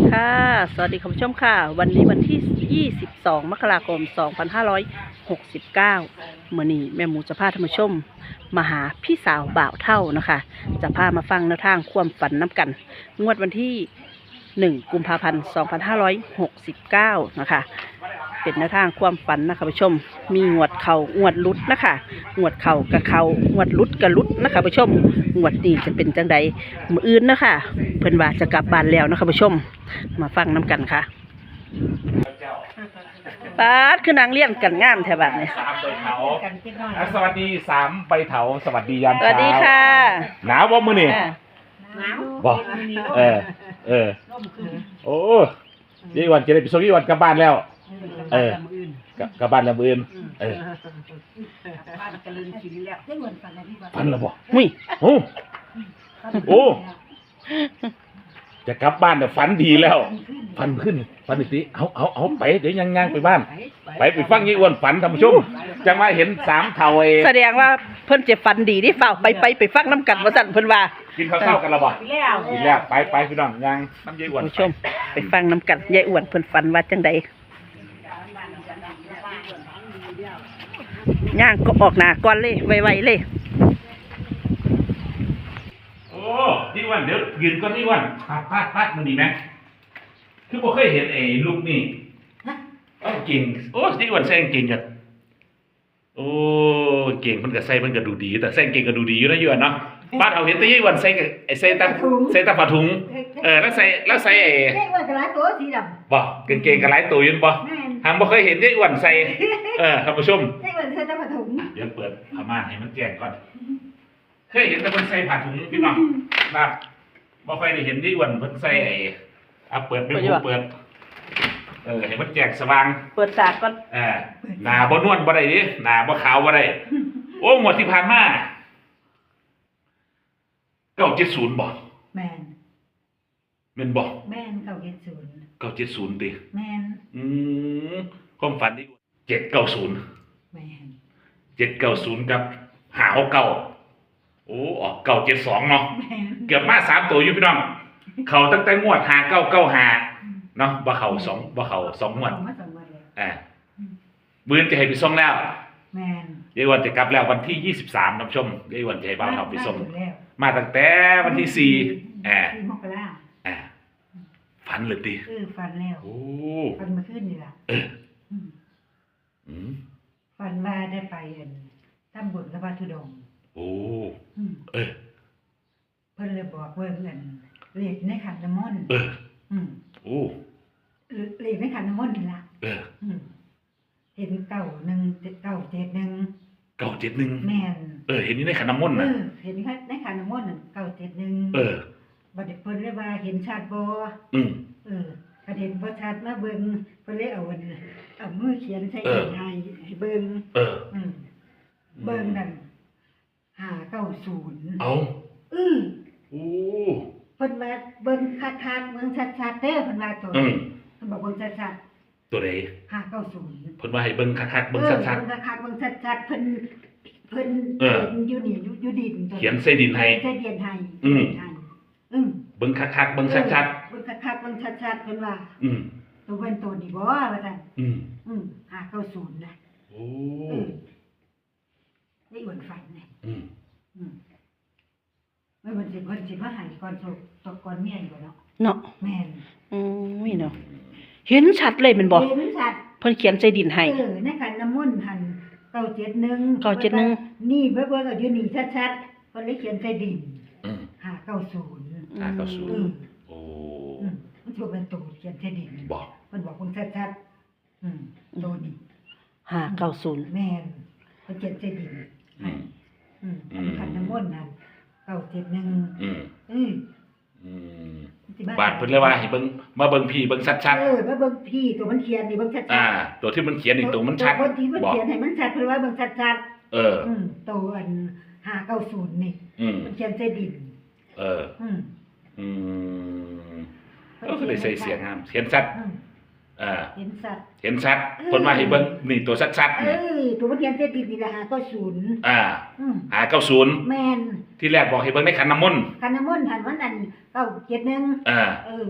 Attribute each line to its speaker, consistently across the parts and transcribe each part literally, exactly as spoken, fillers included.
Speaker 1: ค่ะสวัสดีคุณผู้ชมค่ะวันนี้วันที่ยี่สิบสองมกราคมสองพันห้าร้อยหกสิบเก้ามื้อนี้แม่หมูจะพาท่านผู้ชมมาหาพี่สาวบ่าวเท่านะคะจะพามาฟังแนวทางความฝันน้ำกันงวดวันที่หนึ่งกุมภาพันธ์สองพันห้าร้อยหกสิบเก้านะคะเป็นแนวทางความฝันนะคะผู้ชมมีงวดเข่างวดลุดนะคะงวดเข่ากับเข่างวดลุดกับลุดนะคะผู้ชมงวดนี้จะเป็นจังใดมื้ออื่นนะคะเพิ่นว่าจะกลับบ้านแล้วนะคะผู้ชมมาฟังน้ำกันค่ะปาดคือนางเลี้ยงกันงามแถวบ้านเนี่ย
Speaker 2: สามใบเถาสวัสดีสามใบเถาสวัสดียาม
Speaker 1: ส
Speaker 2: เช้า
Speaker 1: วัสดีค่ะ
Speaker 2: หนาวบ่มื้อนี่
Speaker 3: หนาว
Speaker 2: บ่เออเออโอ้ยี่วันจะได้ไปส่งยี่วันกลับบ้านแล้วเออกลับกลับบ้านแล้วมื้ออื่นเออ
Speaker 3: บ้านกระลืนกินแล้วได้เงินฝันอะไรพี่บ้าน
Speaker 2: พันแล้วบ่
Speaker 1: หุ้ย
Speaker 2: โอ้โอ้จะกลับบ้านแต่ฝันดีแล้วฝันขึ้นฝันอีกทีเอาเอาเอาไปเดี๋ยวยังย่างไปบ้านไปไปฟังยี่อ้วนฝันท่านผู้ชมจังมาเห็นสามเถาเอ
Speaker 1: แสดงว่าเพิ่นจะฝันดีที่ฝ่าไปไปไปฟังน้ำกันว่าสั่นเพิ่นว่า
Speaker 2: กินข้าวเช้ากันแล้วบ่
Speaker 3: แล้ว
Speaker 2: กินแล้วไปไปพี่น้องย่างน้ำยี่อ้วน
Speaker 1: ผู้ชมไปฟังน้ำกันยายอ้วนเพิ่นฝันว่าจังใดย่างก็ออกหน้าก่อนเลยไวๆเลย
Speaker 2: โอ้ที่อ้วนเดี๋ยวยืนก่อนที่อ้วนพาดพาดพาดมันดีไหมคือบ่เคยเห็นไอ้ลูกนี่เอ้าเก่งโอ้ที่อ้วนแซงเก่งกันโอ้เก่งมันก็ใส่มันก็ดูดีแต่แซงเก่งก็ดูดีอยู่นะยี่อ้วนเนาะบ้านเอาเห็นแต่ยี่อ้วนใส่กับไอ้ใส่ตาใส่ตาผ้าถุงเออแล้วใส่แล้วใส่ไอ้
Speaker 3: ได้เงินกระไรตัวสีดำ
Speaker 2: บ่กางเกงกับหลายตัวอยืนบ่
Speaker 3: แม่น
Speaker 2: หางบ่เคยเห็นยี่อ้วนใส่เออท่านผู้ชม
Speaker 3: ได้เงินใส่ตะผถุง
Speaker 2: เดี๋ยวเปิดผ้าม่านให้มันแจ้งก่อนเคยเห็นแต่เพิ่นใส่ผ้าถุงพี่น้องครับบ่ค่อยได้เห็นยี่อ้วนเพิ่นใส่ไอ้อ่ะเปิดเป็นหูเปิดเออให้มันแจ้งสว่าง
Speaker 1: เปิดตาก่อน
Speaker 2: เออหน้าบ่นวลบ่ได้ดิหน้าบ่ขาวบ่ได้โอ้งวดที่ผ่านมาเก้าเจ็ดศูนย์บ่
Speaker 3: แม่น
Speaker 2: แม่นบ่
Speaker 3: แม่นเก้าเจ็ดศูนย์
Speaker 2: เก้าเจ็ดศูนย์ติ
Speaker 3: แม่น
Speaker 2: อืมความฝันที่เจ็ดเก้าศูนย์
Speaker 3: แม่น
Speaker 2: เจ็ดเก้าศูนย์กับหาเก้าโอ้ออกเก้าเจ็ดสองเนาะ
Speaker 3: แม่น
Speaker 2: เกือบมาสามตัวอยู่พี่น้องเขาตั้งแต่งวดหาเก้าเก้าหาเนาะบ่เขาสองบ่เขาสองงวด
Speaker 3: เอามาสองวันเลย
Speaker 2: อ่ามื้อจะให้ไปส่งแล้ว
Speaker 3: แม่น
Speaker 2: ยายวันจะกลับแล้ววันที่ยี่สิบสามท่านผู้ชมยายวันจะให้บ้านเราไปส่ง
Speaker 3: มาแล้ว
Speaker 2: มาตั้งแต่วันที่สี่อ่า
Speaker 3: สี่มกรา
Speaker 2: อ่าฝันเลยติ
Speaker 3: เออฟันแล้ว
Speaker 2: โอ้
Speaker 3: ฟันมาขึ้นนี่ล่ะ
Speaker 2: เออ
Speaker 3: อืม
Speaker 2: อืม
Speaker 3: ฟันว่าได้ไปอันทำบุญกับพระธุดงค์
Speaker 2: โอ้
Speaker 3: อืม
Speaker 2: เออ
Speaker 3: เพิ่นเลยบอกเบิ่งอันเลขในขันน้ำมนต์
Speaker 2: เออ
Speaker 3: อืม
Speaker 2: โอ้
Speaker 3: เลขในขันน้ำมนต์นี่ล่ะ
Speaker 2: เออ
Speaker 3: อืมเห็นเก่าหนึ่งเก่าเจ็ดหนึ่ง
Speaker 2: เก้าเจ็ดหนึ่ง
Speaker 3: แม่น
Speaker 2: เออเห็นนี่ในขันน้ำมนต์
Speaker 3: เอ
Speaker 2: นะ
Speaker 3: อเห็นในขันน้ำมนต์นั่นเก่าเจ็ดหนึ่ง
Speaker 2: เออ
Speaker 3: บัดนี้เพิ่นเลยว่าเห็นชัดบ่
Speaker 2: อืม
Speaker 3: เออประเด็นบ่ชัดมาเบิ่งเพิ่นเลยเอาอันเอามือเขียนใส่
Speaker 2: เออ
Speaker 3: ให้ให้เบิ่ง
Speaker 2: เออ
Speaker 3: อืมเบิ่งนั่นห้าเก้าศูนย์
Speaker 2: เอา
Speaker 3: อือ
Speaker 2: โอ้
Speaker 3: เพิ่นว่าเบิ่งคักๆเบิ่งชัดๆเด้อเพิ่นว่าตัว
Speaker 2: อืม
Speaker 3: เพิ่นบอกเบิ่งชัด
Speaker 2: ตัวใด
Speaker 3: ๆห้าเก้าศูนย์
Speaker 2: เพิ่นว่าให้เบิ่งคักๆเบิ่งชัด
Speaker 3: เบิ่งคักๆเบิ่งชัดๆเพิ่นเพิ่น
Speaker 2: เออ
Speaker 3: เห็นอยู่นี่อยู่อยู่ดิน
Speaker 2: ๆเขียนใส่ดินให้
Speaker 3: ใส่ดินให้
Speaker 2: อืม
Speaker 3: ให้อืม
Speaker 2: เบิ่งคักๆเบิ่งชัด
Speaker 3: เบิ่งคักๆเบิ่งชัดๆเพิ่นว่า
Speaker 2: ๆอืม
Speaker 3: ตัวเป็นตัวนี่บ่ว่าซั่น
Speaker 2: อืม
Speaker 3: อืมห้าเก้าศูนย์นะ
Speaker 2: โอ้
Speaker 3: อืมได้อ้วนฝันนี่
Speaker 2: อืม
Speaker 3: อืมไม่มันสิเพิ่นสิมาให้ก่อนสุกตกก่อนเมียอยู่เนาะ
Speaker 1: เนาะ
Speaker 3: แม่น
Speaker 1: อืมนี่เนาะเห็นชัดเลยแมันบ่
Speaker 3: เห็นชัด
Speaker 1: เพิ่นเขียนใส่ดินให้
Speaker 3: เออในขันน้ำมนต์หันเก้าเจ็ดหนึ่ง
Speaker 1: เก้าเจ็ดหนึ่ง
Speaker 3: นี่เบิ่งเบิ่งเอาอยู่นี่ชัดๆเพิ่นเลยเขียนใส่ดิน
Speaker 2: อืม
Speaker 3: ห้าเก้าศูนย์
Speaker 2: ห้าเก้าศูนย์
Speaker 3: อืม
Speaker 2: โอ้
Speaker 3: อืมมันสิเป็นตัวเขียนใส่ดิน
Speaker 2: บอก
Speaker 3: เพิ่นบอกเพิ่นชัดๆอืมตัวนี้
Speaker 1: ห้าเก้าศูนย์
Speaker 3: แม่นเพิ่นเขียนใส่ดิน
Speaker 2: อืม
Speaker 3: อืม
Speaker 2: อืม
Speaker 3: ขันน้ำมนต์นั่นเก้าเจ็ดหนึ่ง
Speaker 2: อืม
Speaker 3: อืม
Speaker 2: อืม
Speaker 3: สิม
Speaker 2: บาดเพิ่นเลยว่าให้เบิ่งมาเบิ่งพี่เบิ่งชัด
Speaker 3: เออมาเบิ่งพี่ตัวมันเขียนนี่เบิ่งชัด
Speaker 2: ๆอ่า ตัวที่มันเขียนอีกตัวมันชัด
Speaker 3: ตัวที่มัน
Speaker 2: บอก
Speaker 3: เขียนให้มันชัดเพิ่นว่าเบิ่งชัด
Speaker 2: เออ
Speaker 3: ๆอืมตัวอันห้าเก้าศูนย์นี่
Speaker 2: อืม
Speaker 3: มันเขียนใส่ดิน
Speaker 2: เออ
Speaker 3: อืม
Speaker 2: อืมก็คือได้ใส่เสียงงามเขียนชัด
Speaker 3: อืม
Speaker 2: อ่า
Speaker 3: เห็นสัตว์
Speaker 2: เห็นชัดเพิ่นว่าให้เบิ่งนี่ตัวชัดๆ
Speaker 3: เอ
Speaker 2: นี่
Speaker 3: อตัวมันเขียนใส่ดินนี่ละห้าเก้าศูนย์
Speaker 2: อ่า
Speaker 3: อืม
Speaker 2: หาเก้าศูนย์
Speaker 3: แม่น
Speaker 2: ที่แรกบอกให้เบิ่งในขันน้ำมนต์
Speaker 3: คันน้ำมนต์หันวันนั้นเก้าเจ็ดหนึ่ง
Speaker 2: อ่า
Speaker 3: เออ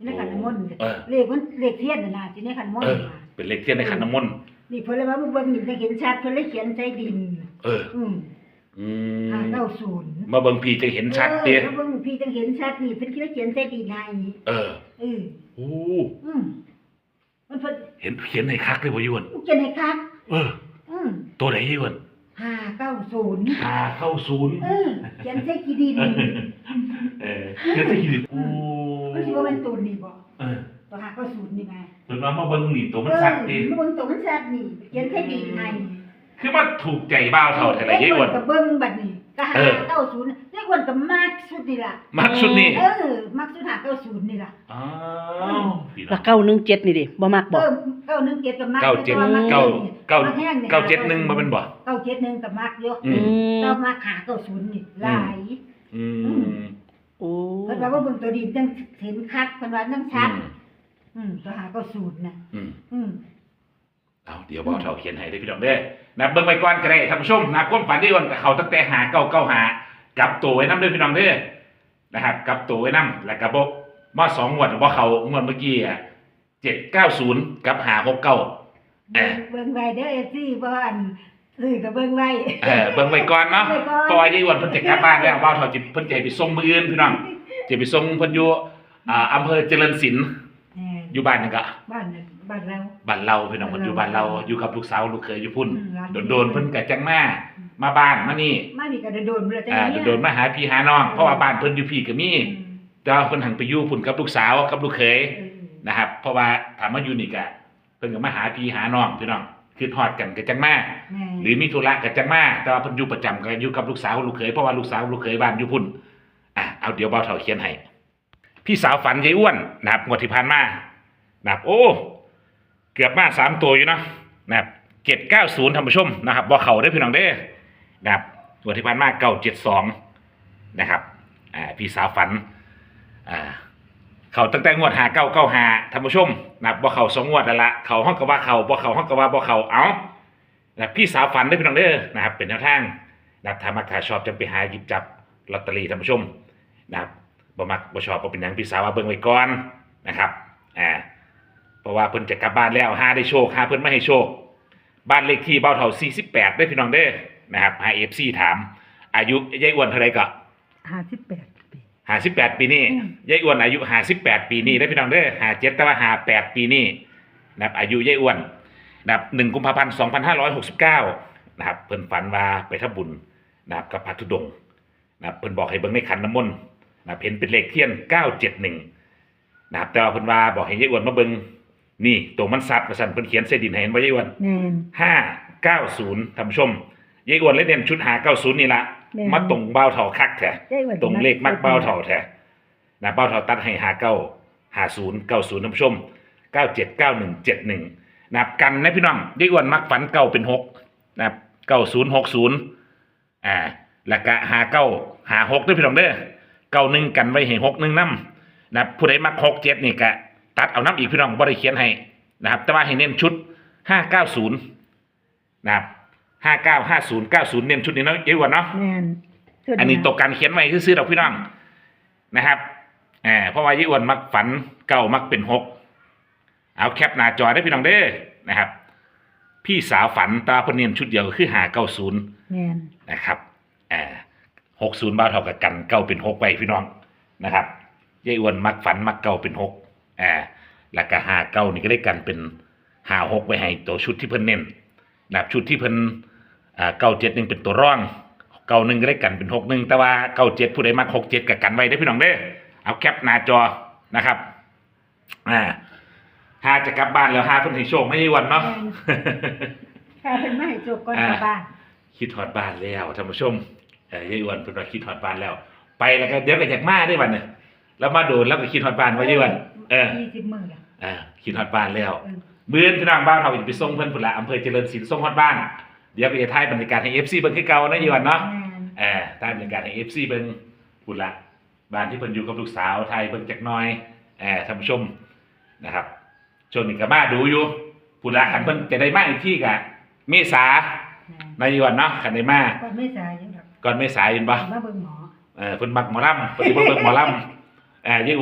Speaker 3: ในขันน้ำมนต์
Speaker 2: เออ
Speaker 3: เลขมันเลขเทียนน่ะนะที่ในขันน้ำมน
Speaker 2: เอ
Speaker 3: ต์
Speaker 2: อ
Speaker 3: น่ะ
Speaker 2: เป็นเลขเทียนในขันน้ำมนต์
Speaker 3: นี่เพิ่นเลยว่าเบิ่งนี่จะเห็นชัดเพิ่นเลยเขียนใส่ดิน
Speaker 2: เออ
Speaker 3: อืม
Speaker 2: อื
Speaker 3: ห้าม เก้าศูนย์
Speaker 2: มาเบิ่งพี่จะเห็นชัดเด้
Speaker 3: เออเบิ่งพี่จังเห็นชัดนี่เพิ่นเลยเขียนใส่ดินให้
Speaker 2: เออ
Speaker 3: เออ
Speaker 2: โอ้
Speaker 3: อืมมันเพิ่น
Speaker 2: เห็นเขียนให้คักเลยบ่ยวน
Speaker 3: เขียนให้คัก
Speaker 2: เออ
Speaker 3: อืม
Speaker 2: ตัวไหนยวน
Speaker 3: ห้าเก้าศูนย์
Speaker 2: หาเข้าศูนย์
Speaker 3: เออเขียนใส่กี่ดิน
Speaker 2: เออเขียนใส่ขีดโอ้
Speaker 3: มันสิว่าเป็นตัวนี่บ่
Speaker 2: เออ
Speaker 3: ตัวห้าเก้าศูนย์นี่ไง
Speaker 2: เพิ่นว่ามาเบิ่งนี่ตัวมันชัด
Speaker 3: เอ
Speaker 2: เด้
Speaker 3: อมันเบิ่งตัวมันชัดนี่เขียนใส่ดินให้
Speaker 2: คือมันถูกใจบ่าวเท่าแต่ละยายอ้วน
Speaker 3: เลขกับเบิ้งบัดนี้ก็หา
Speaker 2: เออ
Speaker 3: เก้าศูนย์เลขอ้วนกับมากสุดนี่ล่ะ
Speaker 2: มักชุดนี้
Speaker 3: เออมักสุดหาเก้าศูนย์นี่ล่ะ
Speaker 2: อ้าวพี่น้
Speaker 1: แล้
Speaker 2: อ
Speaker 1: ว
Speaker 2: ง
Speaker 1: เก้าหนึ่งเจ็ดนี่ดิบ่มักบ่
Speaker 3: เออเก้าหนึ่งเจ็ดกับมัก
Speaker 2: เก้าเจ็ด
Speaker 3: แต่ว่มั
Speaker 2: เก้า
Speaker 3: นี่
Speaker 2: เก้า
Speaker 3: มัแห้งนี่
Speaker 2: เก้าเจ็ดหนึ่งมาเป็นบ่
Speaker 3: เก้าเจ็ดหนึ่งกับมักเยอะ
Speaker 2: อืม
Speaker 3: แต่ว่ามักหาเก้าศูนย์นี่หลาย
Speaker 2: อืม
Speaker 1: โอ้
Speaker 3: เพิ่นว่าว่าเบิ่งตัวดีจังเห็นคักเพิ่นว่าจังชัด
Speaker 2: อืม
Speaker 3: อืมตัวหาเก้าศูนย์น่ะ
Speaker 2: อืม
Speaker 3: อืม
Speaker 2: เอาเดี๋ยวบ่าวเท่าเขียนให้ได้อพี่น้องเด้อนะเบิ่งไปก่อนก็ได้ท่านผู้ชมนะความฝันที่อ้วนกับเขาตั้งแต่หาเก้าเก้าหากลับตัวไว้นำเด้อพี่น้องเด้อนะครับกลับตัวไว้นำแล้วก็บ่มาสองงวดบ่เขางวดเมื่อกี้อ่ะเจ็ดเก้าศูนย์กับห้าหกเก้า เออ
Speaker 3: เบิ่งไว้เด้อ เอฟ ซี บ่อันซื้อก็เบิ่งไว้
Speaker 2: เออเบิ่งไว้ก่อนเนาะ
Speaker 3: เบิ่งไว้ก่อน
Speaker 2: เพราะว่ายายอ้วนเพิ่นจะกลับบ้านแล้วบ่าวเท่าจิเพิ่นจะให้ไปส่งมื้ออื่นพี่น้องจะไปส่งเพิ่นอยู่อ่าอำเภอเจริญศิลป์
Speaker 3: เออ
Speaker 2: อยู่บ้านนั่นก็
Speaker 3: บ้านน่ะบ้านเรา
Speaker 2: บ้านเราพี่น้องเพิ่นอยู่บ้านเราอยู่กับลูกสาวลูกเขยอยู่พุ่น
Speaker 3: อืมร้าน
Speaker 2: โดนๆเพิ่นก็จังมามาบ้านมานี่
Speaker 3: มานี่ก็โดนๆบ่ล่ะจัง
Speaker 2: อ่า
Speaker 3: เนี่ย
Speaker 2: โดนๆมาหาพี่หาน้องเพราะว่าบ้านเพิ่นอยู่พี่ก็มี
Speaker 3: อืม
Speaker 2: แต่ว่าเพิ่นหันไปอยู่พุ่นกับลูกสาวกับลูกเขย
Speaker 3: เออ
Speaker 2: นะครับ เพราะว่าถามมาอยู่นี่ก็เพิ่นก็มาหาพี่หาน้องพี่น้องคือฮอดกันก็จังมา
Speaker 3: แม่
Speaker 2: หรือมีธุระก็จังมาแต่ว่าเพิ่นอยู่ประจำก็อยู่กับลูกสาวลูกเขยเพราะว่าลูกสาวลูกเขยบ้านอยู่พุ่นอ่ะเอาเดี๋ยวเบาเท่าเขียนให้พี่สาวฝันยายอ้วนนะครับงวดที่ผ่านมานะครับโอ้เกือบมาสามตัวอยู่เนาะนะครับเจ็ดเก้าศูนย์ท่านผู้ชมนะครับบ่เข้าได้อพี่น้องเด้อนะครับงวดที่ผ่านมาเก้าเจ็ดสองนะครับอ่าพี่สาวฝันอ่าเขาตั้งแต่งวดหาเก้าเก้าหาท่านผู้ชมนะครับบ่เข้าสองงวดแล้วละเขาห้องก็ว่าเขาบ่เข้าห้องก็ว่าบ่เข้าเอา นะพี่สาวฝันได้พี่น้องเด้อนะครับเป็นแนวทางนะครับถ้ามักถ้าชอบจำไปหาหยิบจับลอตเตอรี่ท่านผู้ชมนะครับบ่มักบ่ชอบบ่เป็นหยังพี่สาวว่าเบิ่งไว้ก่อนนะครับอ่าเพราะว่าเพิ่นจะกลับบ้านแล้วหาได้โชคหาเพิ่นไม่ให้โชคบ้านเลขที่เบ้าเท่าสี่สิบแปดได้พี่น้องเด้อนะครับหา เอฟ ซี ถามอายุยายอ้วนเท่าไหร่ก็
Speaker 3: ห้าสิบแปดปี
Speaker 2: ห้าสิบแปดปีนี้
Speaker 3: อืม
Speaker 2: ยายอ้วนอายุห้าสิบแปดปีนี้ได้พี่น้องเด้อห้าเจ็ดแต่ว่าห้าแปดปีนี้นะครับอายุยายอ้วน นะครับหนึ่งกุมภาพันธ์สองพันห้าร้อยหกสิบเก้านะครับเพิ่นฝันว่าไปทำบุญนะครับกับพระธุดงค์นะครับเพิ่นบอกให้เบิ่งในขันน้ำมนต์นะครับเห็นเป็นเลขเทียนเก้าเจ็ดหนึ่งนะครับแต่ว่าเพิ่นว่าบอกให้ยายอ้วนมาเบิ่งนี่ตัวมันสัตว์ว่าซั่นเพิ่นเขียนใส่ดินให้เห็นบ่ยายอ้วน
Speaker 3: แม่น
Speaker 2: ห้าเก้าศูนย์ท่านผู้ชมยายอ้วนเลยเด่นชุดหาเก้าศูนย์นี่ละ
Speaker 3: แม่น
Speaker 2: มาตรงเบ้าเท่าคักแท้
Speaker 3: ได้ว่า
Speaker 2: ตรงเลขมักเบ้าเท่าแท้นะเบ้าเท่าตัดให้หาเก้าหาศูนย์เก้าศูนย์ท่านผู้ชมเก้าเจ็ดเก้าหนึ่งเจ็ดหนึ่ง นะครับกันนะพี่น้องยายอ้วนมักฝันเก้าเป็นหกนะครับเก้าศูนย์หกศูนย์อ่าแล้วก็หาเก้าหาหกด้วยพี่น้องเด้อเก้าหนึ่งกันไว้ให้หกหนึ่งน้ำนะครับผู้ใดมักหกเจ็ดนี่ก็ตัดเอาน้ำอีกพี่น้องบ่ได้เขียนให้นะครับแต่ว่าให้เน้นชุดห้าเก้าศูนย์นะครับห้าเก้าห้าศูนย์เก้าศูนย์เน้นชุดนี้เนาะยายอ้วนเนาะ
Speaker 3: แม่น
Speaker 2: อันนี้ตกการเขียนไว้ซื้อๆดอกพี่น้องนะครับอ่าเพราะว่ายายอ้วนมักฝันเก้ามักเป็นหกเอาแคปหน้าจอได้พี่น้องเด้อนะครับพี่สาวฝันตาเพนเนียนชุดเดียวก็คือหาเก้าศูนย์
Speaker 3: แม่น
Speaker 2: นะครับอ่าหกศูนย์บ้าเท่ากับกันเก้าเป็นหกไปพี่น้องนะครับยายอ้วนมักฝันมักเก้าเป็นหกอ่าแล้วก็หาเก้านี่ก็ได้กันเป็นหาหกไว้ให้ตัวชุดที่เพิ่นเน้นนะครับชุดที่เพิ่นอ่าเก้าเจ็ดหนึ่งเป็นตัวร่องเก้าหนึ่งก็ได้กันเป็นหกหนึ่งแต่ว่าเก้าเจ็ดผู้ใดมักหกเจ็ดกับกันไว้ได้อพี่น้องเด้อเอาแคปหน้าจอนะครับอ่าหาจะกลับบ้านแล้วหาเพิ่นให้โชคไม่ใช่วันเนาะ
Speaker 3: แค่เพิ่นมาให้โจกก่อนกลับบ้าน
Speaker 2: คิดฮอดบ้านแล้วท่านผู้ชมเอ้ยยายอ้วนเพิ่นว่าคิดฮอดบ้านแล้ว ไปแล้วก็เดี๋ยวก็อยากมาได้วันนึงแล้วมาโดนแล้วก็คิดฮอดบ้านว่ายายอ้วนเออ
Speaker 3: ยี่สิบมื้อละ
Speaker 2: เออคิดฮอดบ้านแล้ว
Speaker 3: เออ
Speaker 2: มื้อนี้พี่น้องบ้านเฮาจะไปส่งเพิ่นพุ่นละอำเภอเจริญศิลป์ส่งฮอดบ้านเดี๋ยวไปถ่ายบรรยากาศให้ เอฟ ซี เบิ่งคือเก่านะยายอ้วนเนาะ
Speaker 3: แม่น
Speaker 2: เออถ่ายบรรยากาศให้ เอฟ ซี เบิ่งพุ่นละบ้านที่เพิ่นอยู่กับลูกสาวถ่ายเบิ่งจักหน่อยเออท่านผู้ชมนะครับช่วงนี้ก็มาดูอยู่พุ่นละคันเพิ่นจะได้มาอีกที่ก็เมษา
Speaker 3: แม่น
Speaker 2: นายวันเนาะคันได้มา
Speaker 3: ก่อนไม่สายอยู่ดอก
Speaker 2: ก่อนเมษายนบ่
Speaker 3: มาเบิ่งหมอ
Speaker 2: เออเพิ่นมักหมอลำเพิ่นสิเบิ่งหมอลำเอ่อยายอ้วน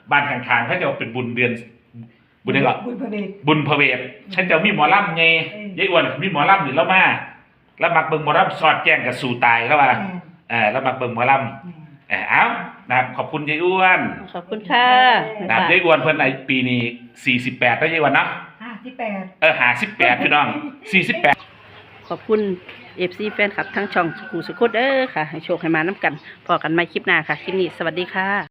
Speaker 2: บ้านข้างๆเขาจะเป็นบุญเดือนบุญอะไรก็
Speaker 3: บุญพระเดช
Speaker 2: บุญพระเวทฉันจะมีหมอลำไง
Speaker 3: เออ
Speaker 2: ยายอ้วนมีหมอลำหรือแล้วมาแล้วมักเบิ่งหมอลำสอดแจ้งกับสู่ตายแล้วว่า
Speaker 3: แม่
Speaker 2: เออแล้วมักเบิ่งหมอลำ
Speaker 3: แม่
Speaker 2: เออเอานะครับขอบคุณยายอ้วน
Speaker 1: ขอบคุณค่ะ
Speaker 2: นะครับยายอ้วนเพิ่นในปีนี้สี่สิบแปดแล้วยายอ้วนเนาะ
Speaker 3: ห้าสิบแปด
Speaker 2: เออหาสิบแปดพี่น้องสี่สิบแปด
Speaker 1: ขอบคุณเอฟซีแฟนคลับทั้งช่องสุขุสุขุดเด้อค่ะ ให้โชคให้มาน้ำกันพอกันใหม่คลิปหน้าค่ะ คลิปนี้สวัสดีค่ะ